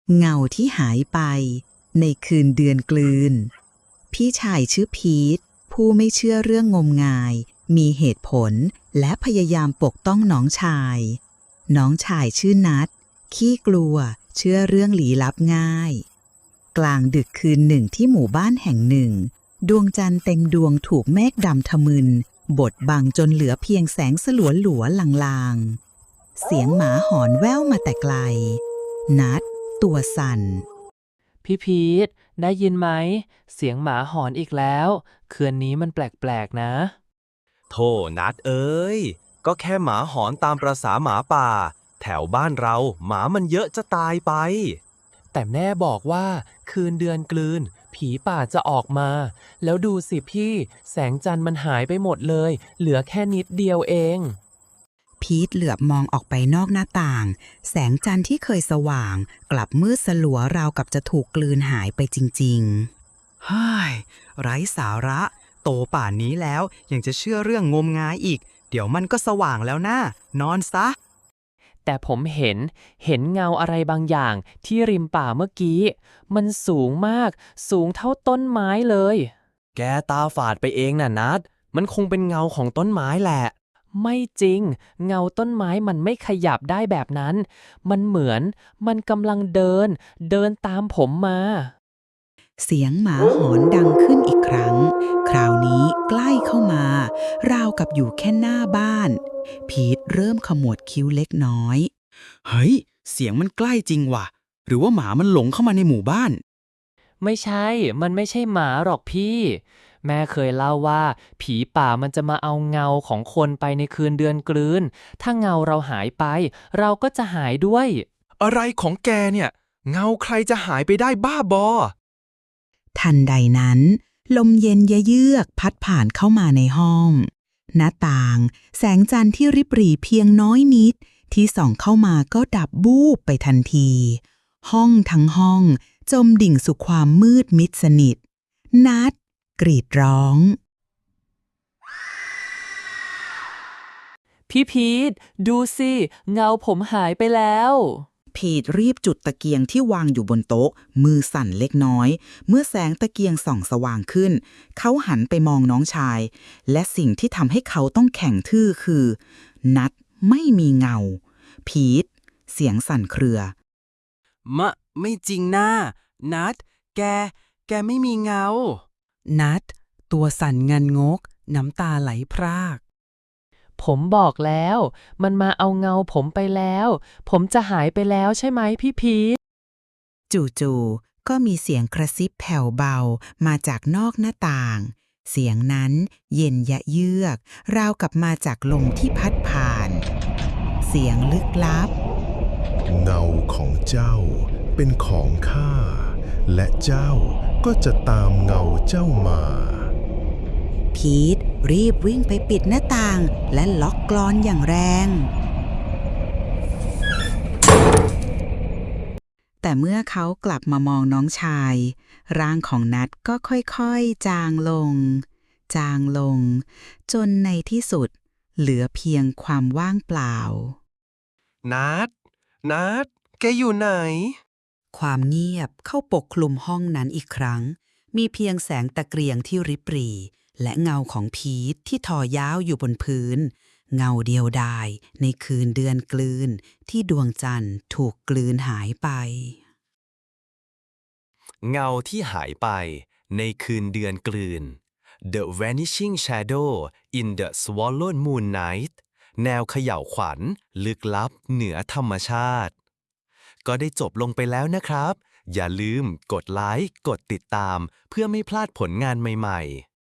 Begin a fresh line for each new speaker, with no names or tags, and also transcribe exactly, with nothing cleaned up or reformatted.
เงาที่หายไปในคืนเดือนกลืนพี่ชายชื่อพีทผู้ไม่เชื่อเรื่องงมงายมีเหตุผลและพยายามปกต้องน้องชายน้องชายชื่อนัทขี้กลัวเชื่อเรื่องลี้ลับง่ายกลางดึกคืนหนึ่งที่หมู่บ้านแห่งหนึ่งดวงจันทร์เต็มดวงถูกเมฆดำทะมึนบดบังจนเหลือเพียงแสงสลัวหลัวลางๆเสียงหมาหอนแว่วมาแต่ไกลนัทตัวสั่น
พี่พีทได้ยินไหมเสียงหมาหอนอีกแล้วคืนนี้มันแปลกๆนะ
โธ่นัดเอ้ยก็แค่หมาหอนตามประสาหมาป่าแถวบ้านเราหมามันเยอะจะตายไป
แต่แม่บอกว่าคืนเดือนกลืนผีป่าจะออกมาแล้วดูสิพี่แสงจันทร์มันหายไปหมดเลยเหลือแค่นิดเดียวเอง
พีทเหลือบมองออกไปนอกหน้าต่างแสงจันทร์ที่เคยสว่างกลับมืดสลัวราวกับจะถูกกลืนหายไปจริงๆ
ฮ่ายไร้สาระโตป่านนี้แล้วยังจะเชื่อเรื่องงมงายอีกเดี๋ยวมันก็สว่างแล้วนะนอนซะ
แต่ผมเห็นเห็นเงาอะไรบางอย่างที่ริมป่าเมื่อกี้มันสูงมากสูงเท่าต้นไม้เลย
แกตาฝาดไปเองน่ะนัดมันคงเป็นเงาของต้นไม้แหละ
ไม่จริงเงาต้นไม้มันไม่ขยับได้แบบนั้นมันเหมือนมันกำลังเดินเดินตามผมมา
เสียงหมาหอนดังขึ้นอีกครั้งคราวนี้ใกล้เข้ามาราวกับอยู่แค่หน้าบ้านพีทเริ่มขมวดคิ้วเล็กน้อย
เฮ้ยเสียงมันใกล้จริงว่ะหรือว่าหมามันหลงเข้ามาในหมู่บ้าน
ไม่ใช่มันไม่ใช่หมาหรอกพี่แม่เคยเล่าว่าผีป่ามันจะมาเอาเงาของคนไปในคืนเดือนกลืนถ้าเงาเราหายไปเราก็จะหายด้วย
อะไรของแกเนี่ยเงาใครจะหายไปได้บ้าบอ
ทันใดนั้นลมเย็นยะเยือกพัดผ่านเข้ามาในห้องหน้าต่างแสงจันทร์ที่ริบหรี่เพียงน้อยนิดที่ส่องเข้ามาก็ดับบูบไปทันทีห้องทั้งห้องจมดิ่งสู่ความมืดมิดสนิทนัดกรีดร้อง
พี่พีทดูสิเงาผมหายไปแล้ว
พีทรีบจุดตะเกียงที่วางอยู่บนโต๊ะมือสั่นเล็กน้อยเมื่อแสงตะเกียงส่องสว่างขึ้นเขาหันไปมองน้องชายและสิ่งที่ทำให้เขาต้องแข็งทื่อคือนัดไม่มีเงาพีทเสียงสั่นเครือ
มะไม่จริงนะนัดแกแกไม่มีเงานัดตัวสั่นงันงกน้ำตาไหลพราก
ผมบอกแล้วมันมาเอาเงาผมไปแล้วผมจะหายไปแล้วใช่ไหมพี่พีท
จู่ๆก็มีเสียงกระซิบแผ่วเบามาจากนอกหน้าต่างเสียงนั้นเย็นยะเยือกราวกับมาจากลมที่พัดผ่านเสียงลึกลับ
เงาของเจ้าเป็นของข้าและเจ้าก็จะตามเงาเจ้ามา
พีทรีบวิ่งไปปิดหน้าต่างและล็อกกลอนอย่างแรงแต่เมื่อเขากลับมามองน้องชายร่างของนัทก็ค่อยๆจางลงจางลงจนในที่สุดเหลือเพียงความว่างเปล่า
นัดนัดแกอยู่ไหน
ความเงียบเข้าปกคลุมห้องนั้นอีกครั้งมีเพียงแสงตะเกียงที่ริบหรี่และเงาของพีทที่ทอยาวอยู่บนพื้นเงาเดียวดายในคืนเดือนกลืนที่ดวงจันทร์ถูกกลืนหายไป
เงาที่หายไปในคืนเดือนกลืน The Vanishing Shadow in the Swallowed Moon Night แนวเขย่าวขวัญลึกลับเหนือธรรมชาติก็ได้จบลงไปแล้วนะครับอย่าลืมกดไลค์กดติดตามเพื่อไม่พลาดผลงานใหม่ๆ